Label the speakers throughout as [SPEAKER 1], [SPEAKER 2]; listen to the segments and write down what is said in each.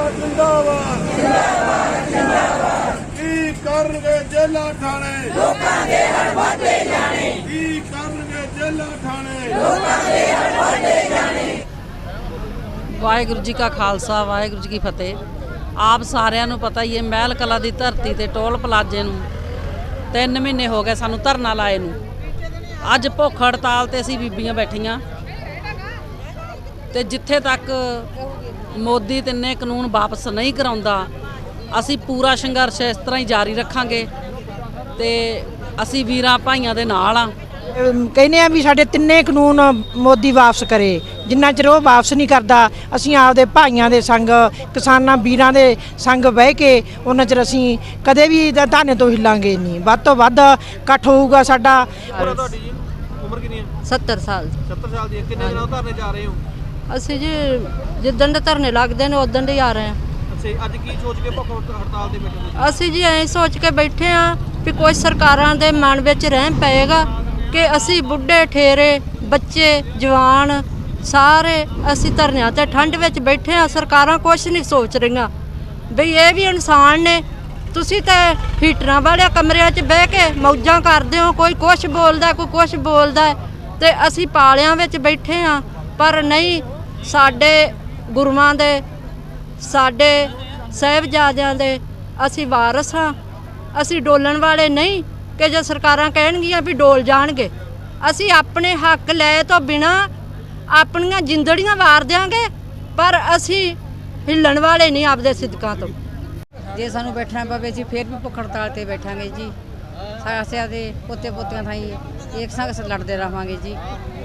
[SPEAKER 1] जिंदाबाद जिंदाबाद की करनगे जेला ठाणे लोकां दे हड़ वधदे जाणे की करनगे जेला ठाणे लोकां दे हड़ वधदे जाणे।
[SPEAKER 2] ਵਾਹਿਗੁਰੂ ਜੀ ਕਾ ਖਾਲਸਾ ਵਾਹਿਗੁਰੂ ਜੀ ਕੀ ਫਤਿਹ। ਆਪ ਸਾਰਿਆਂ ਨੂੰ ਪਤਾ ਹੀ ਹੈ ਮਹਿਲ ਕਲਾ ਦੀ ਧਰਤੀ ਤੇ ਟੋਲ ਪਲਾਜ਼ੇ ਨੂੰ 3 ਮਹੀਨੇ ਹੋ ਗਏ ਸਾਨੂੰ ਧਰਨਾ ਲਾਏ ਨੂੰ। ਅੱਜ ਭੁੱਖ ਹੜਤਾਲ ਤੇ ਅਸੀਂ ਬੀਬੀਆਂ ਬੈਠੀਆਂ ਤੇ ਜਿੱਥੇ ਤੱਕ ਮੋਦੀ ਤਿੰਨੇ ਕਾਨੂੰਨ ਵਾਪਸ ਨਹੀਂ ਕਰਾਉਂਦਾ ਅਸੀਂ ਪੂਰਾ ਸੰਘਰਸ਼ ਇਸ ਤਰ੍ਹਾਂ ਹੀ ਜਾਰੀ ਰੱਖਾਂਗੇ ਤੇ ਅਸੀਂ ਵੀਰਾਂ ਭਾਈਆਂ ਦੇ ਨਾਲ ਆ।
[SPEAKER 3] ਕਹਿੰਦੇ ਆ ਵੀ ਸਾਡੇ ਤਿੰਨੇ ਕਾਨੂੰਨ ਮੋਦੀ ਵਾਪਸ ਕਰੇ। ਜਿੰਨਾ ਚਿਰ ਉਹ ਵਾਪਸ ਨਹੀਂ ਕਰਦਾ ਅਸੀਂ ਆਪਦੇ ਭਾਈਆਂ ਦੇ ਸੰਗ ਕਿਸਾਨਾਂ ਵੀਰਾਂ ਦੇ ਸੰਗ ਬਹਿ ਕੇ ਉਹਨਾਂ ਚਿਰ ਅਸੀਂ ਕਦੇ ਵੀ ਧਰਨੇ ਤੋਂ ਹਿੱਲਾਂਗੇ ਨਹੀਂ। ਵੱਧ ਤੋਂ ਵੱਧ ਇਕੱਠ ਹੋਊਗਾ ਸਾਡਾ।
[SPEAKER 4] ਤੁਹਾਡੀ ਜੀ ਉਮਰ ਕਿੰਨੀ ਹੈ?
[SPEAKER 5] 70 ਸਾਲ।
[SPEAKER 4] 70 ਸਾਲ ਦੀ। ਕਿੰਨੇ ਦਿਨਾਂ ਤੋਂ ਧਰਨੇ ਜਾ ਰਹੇ ਹੋ?
[SPEAKER 5] ਅਸੀਂ ਜੀ ਜਿੱਦਣ ਦੇ ਧਰਨੇ ਲੱਗਦੇ ਨੇ ਉਦੋਂ ਦੇ ਹੀ ਆ ਰਹੇ ਹਾਂ।
[SPEAKER 4] ਅੱਛਾ, ਅੱਜ ਕੀ ਸੋਚ ਕੇ ਭੁੱਖ ਹੜਤਾਲ ਤੇ ਬੈਠੇ ਹੋ?
[SPEAKER 5] ਅਸੀਂ ਜੀ ਐਂ ਸੋਚ ਕੇ ਬੈਠੇ ਹਾਂ ਵੀ ਕੋਈ ਸਰਕਾਰਾਂ ਦੇ ਮਨ ਵਿੱਚ ਰਹਿਮ ਪਏਗਾ ਕਿ ਅਸੀਂ ਬੁੱਢੇ ਠੇਰੇ ਬੱਚੇ ਜਵਾਨ ਸਾਰੇ ਅਸੀਂ ਧਰਨਿਆਂ ਤੇ ਠੰਡ ਵਿੱਚ ਬੈਠੇ ਹਾਂ। ਸਰਕਾਰਾਂ ਕੁਛ ਨਹੀਂ ਸੋਚ ਰਹੀਆਂ ਬਈ ਇਹ ਵੀ ਇਨਸਾਨ ਨੇ। ਤੁਸੀਂ ਤਾਂ ਹੀਟਰਾਂ ਵਾਲੇ ਕਮਰਿਆਂ 'ਚ ਬਹਿ ਕੇ ਮੌਜਾਂ ਕਰਦੇ ਹੋ, ਕੋਈ ਕੁਛ ਬੋਲਦਾ ਕੋਈ ਕੁਛ ਬੋਲਦਾ ਤੇ ਅਸੀਂ ਪਾਲਿਆਂ ਵਿੱਚ ਬੈਠੇ ਹਾਂ। ਪਰ ਨਹੀਂ, ਸਾਡੇ ਗੁਰੂਆਂ ਦੇ ਸਾਡੇ ਸਾਹਿਬਜ਼ਾਦਿਆਂ ਦੇ ਅਸੀਂ ਵਾਰਸ ਹਾਂ। ਅਸੀਂ ਡੋਲਣ ਵਾਲੇ ਨਹੀਂ ਕਿ ਜੇ ਸਰਕਾਰਾਂ ਕਹਿਣਗੀਆਂ ਵੀ ਡੋਲ ਜਾਣਗੇ। ਅਸੀਂ ਆਪਣੇ ਹੱਕ ਲੈ ਤੋਂ ਬਿਨਾਂ ਆਪਣੀਆਂ ਜਿੰਦੜੀਆਂ ਵਾਰ ਦਿਆਂਗੇ ਪਰ ਅਸੀਂ ਹਿੱਲਣ ਵਾਲੇ ਨਹੀਂ ਆਪਦੇ ਸਿਦਕਾਂ ਤੋਂ।
[SPEAKER 6] ਜੇ ਸਾਨੂੰ ਬੈਠਣਾ ਪਵੇ ਅਸੀਂ ਫਿਰ ਵੀ ਭੁੱਖ ਹੜਤਾਲ ਤੇ ਬੈਠਾਂਗੇ ਜੀ। ਸਾਸਿਆਂ ਦੇ ਪੋਤੇ ਪੋਤੀਆਂ ਥਾਈ ਇੱਕ ਸੰਗ ਲੜਦੇ ਰਹਾਂਗੇ ਜੀ।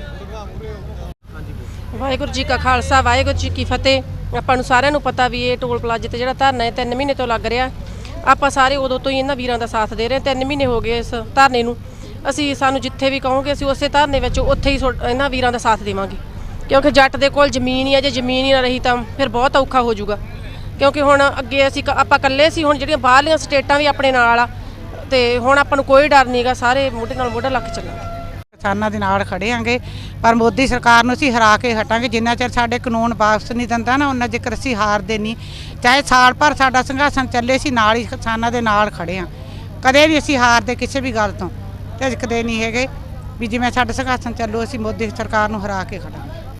[SPEAKER 7] ਵਾਹਿਗੁਰੂ ਜੀ ਕਾ ਖਾਲਸਾ ਵਾਹਿਗੁਰੂ ਜੀ ਕੀ ਫਤਿਹ। ਆਪਾਂ ਨੂੰ ਸਾਰਿਆਂ ਨੂੰ ਪਤਾ ਵੀ ਇਹ ਟੋਲ ਪਲਾਜ਼ੇ ਤੇ ਜਿਹੜਾ ਧਰਨਾ ਹੈ 3 ਮਹੀਨੇ ਤੋਂ ਲੱਗ ਰਿਹਾ। ਆਪਾਂ ਸਾਰੇ ਉਦੋਂ ਤੋਂ ਹੀ ਇਹਨਾਂ ਵੀਰਾਂ ਦਾ ਸਾਥ ਦੇ ਰਹੇ। 3 ਮਹੀਨੇ ਹੋ ਗਏ ਇਸ ਧਰਨੇ ਨੂੰ। ਅਸੀਂ ਸਾਨੂੰ ਜਿੱਥੇ ਵੀ ਕਹੋਗੇ ਅਸੀਂ ਉਸੇ ਧਰਨੇ ਵਿੱਚ ਉੱਥੇ ਹੀ ਇਹਨਾਂ ਵੀਰਾਂ ਦਾ ਸਾਥ ਦੇਵਾਂਗੇ ਕਿਉਂਕਿ ਜੱਟ ਦੇ ਕੋਲ ਜ਼ਮੀਨ ਹੀ ਹੈ। ਜੇ ਜ਼ਮੀਨ ਹੀ ਨਾ ਰਹੀ ਤਾਂ ਫਿਰ ਬਹੁਤ ਔਖਾ ਹੋ ਜਾਊਗਾ ਕਿਉਂਕਿ ਹੁਣ ਅੱਗੇ ਅਸੀਂ ਆਪਾਂ ਇਕੱਲੇ ਸੀ, ਹੁਣ ਜਿਹੜੀਆਂ ਬਾਹਰਲੀਆਂ ਸਟੇਟਾਂ ਵੀ ਆਪਣੇ ਨਾਲ ਆ ਤੇ ਹੁਣ ਆਪਾਂ ਨੂੰ ਕੋਈ ਡਰ ਨਹੀਂਗਾ। ਸਾਰੇ ਮੋਢੇ ਨਾਲ ਮੋਢਾ ਲੱਗ ਚੱਲਾਂਗੇ।
[SPEAKER 3] ਕਿਸਾਨਾਂ ਦੇ ਨਾਲ ਖੜੇ ਆਂਗੇ ਪਰ ਮੋਦੀ ਸਰਕਾਰ ਨੂੰ ਅਸੀਂ ਹਰਾ ਕੇ ਹਟਾਂਗੇ। ਜਿੰਨਾ ਚਿਰ ਸਾਡੇ ਕਾਨੂੰਨ ਵਾਪਸ ਨਹੀਂ ਦਿੰਦਾ ਨਾ ਉਹਨਾਂ ਚਿਰ ਅਸੀਂ ਹਾਰਦੇ ਨਹੀਂ। ਚਾਹੇ ਸਾਲ ਭਰ ਸਾਡਾ ਸੰਘਰਸ਼ ਚੱਲੇ ਸੀ ਨਾਲ ਹੀ ਕਿਸਾਨਾਂ ਦੇ ਨਾਲ ਖੜੇ ਹਾਂ। ਕਦੇ ਵੀ ਅਸੀਂ ਹਾਰਦੇ ਕਿਸੇ ਵੀ ਗੱਲ ਤੋਂ ਝਿਜਕਦੇ ਨਹੀਂ ਹੈਗੇ ਵੀ ਜਿਵੇਂ ਸਾਡਾ ਸੰਘਰਸ਼ ਚੱਲੂ ਅਸੀਂ ਮੋਦੀ ਸਰਕਾਰ ਨੂੰ ਹਰਾ ਕੇ ਖੜਾਂਗੇ।